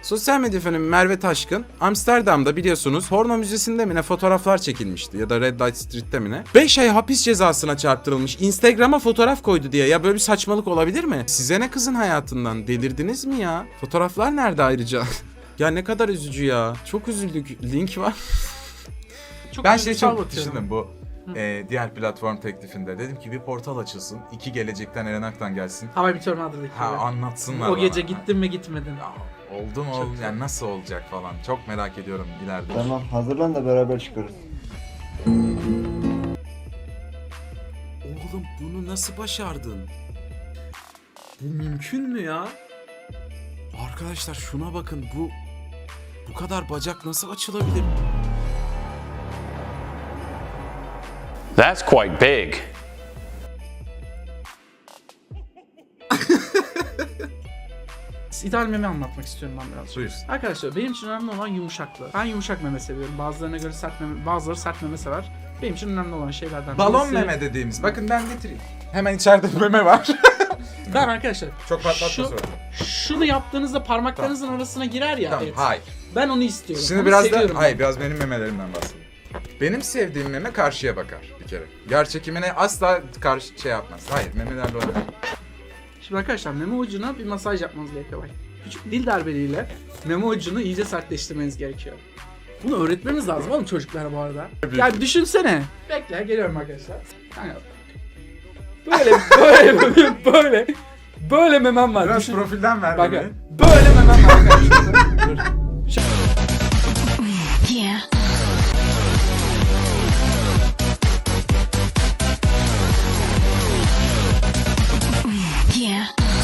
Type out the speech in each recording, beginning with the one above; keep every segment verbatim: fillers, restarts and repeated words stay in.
Sosyal medya fenomeni Merve Taşkın, Amsterdam'da biliyorsunuz Horno Müzesi'nde mi ne fotoğraflar çekilmişti ya da Red Light Street'te mi ne? beş ay hapis cezasına çarptırılmış. Instagram'a fotoğraf koydu diye. Ya böyle bir saçmalık olabilir mi? Size ne kızın hayatından? Delirdiniz mi ya? Fotoğraflar nerede ayrıca? Ya ne kadar üzücü ya. Çok üzüldük. Link var. Çok Ben şey duygusal çok bakıyorum. düşündüm bu e, diğer platform teklifinde. Dedim ki bir portal açılsın. İki gelecekten Eren Aktan gelsin. Hava bir Tornado'daki Ha gibi. anlatsınlar O bana. gece gittin mi gitmedin. Ya, oldu mu oldu yani nasıl olacak falan. Çok merak ediyorum ileride. Tamam hazırlan da beraber çıkarız. Oğlum bunu nasıl başardın? Bu mümkün mü ya? Arkadaşlar şuna bakın, bu bu kadar bacak nasıl açılabilir? That's quite big. İdeal meme anlatmak istiyorum ben biraz. Buyur. Arkadaşlar benim için önemli olan yumuşaklığı. Ben yumuşak meme seviyorum. Bazılarına göre sert meme, bazıları sert meme sever. Benim için önemli olan şeylerden Balon birisi- meme dediğimiz. Bakın ben getireyim. Hemen içeride meme var. Ben arkadaşlar Çok patlatma şu, sonra. şunu yaptığınızda parmaklarınızın arasına girer ya. Tamam et. hayır. Ben onu istiyorum. Şimdi Onu biraz seviyorum da ben. hayır biraz benim memelerimden bahsedeyim. Benim sevdiğim meme karşıya bakar bir kere. Yer çekimine asla karşı şey yapmaz. Hayır memelerle oynar. Şimdi arkadaşlar meme ucuna bir masaj yapmanız gerekiyor. Bak. Küçük dil darbeleriyle meme ucunu iyice sertleştirmeniz gerekiyor. Bunu öğretmemiz lazım oğlum çocuklara bu arada. Yani düşünsene. Bekle geliyorum arkadaşlar. Yani böyle böyle böyle böyle memem var. Biraz Düşün- profilden ver Bak memeyi. böyle memem var arkadaşlar. Dur. Yeah. Yeah.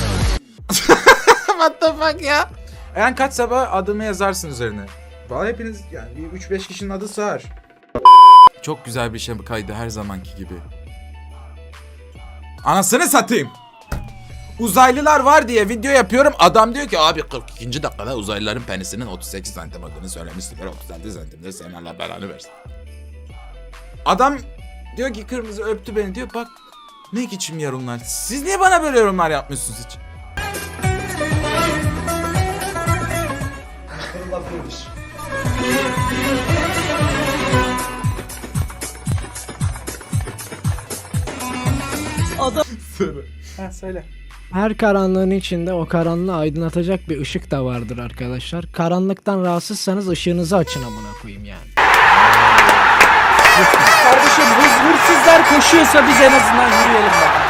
What the fuck ya? Eren kaç sabah adımı yazarsın üzerine. Valla hepiniz yani bir üç beş kişinin adı sığar. Çok güzel bir şey kaydı her zamanki gibi. Anasını satayım. Uzaylılar var diye video yapıyorum. Adam diyor ki abi kırk ikinci dakikada uzaylıların penisinin otuz sekiz santim olduğunu söylemiştim. otuz altı santimde senin Allah belanı versin. Adam diyor ki kırmızı öptü beni diyor. Bak ne biçim yorumlar. Siz niye bana böyle yorumlar yapmıyorsunuz hiç? Ha söyle. Her karanlığın içinde o karanlığı aydınlatacak bir ışık da vardır arkadaşlar. Karanlıktan rahatsızsanız ışığınızı açın amına koyayım yani. Kardeşim hız hırsızlar koşuyorsa biz en azından yürüyelim bak.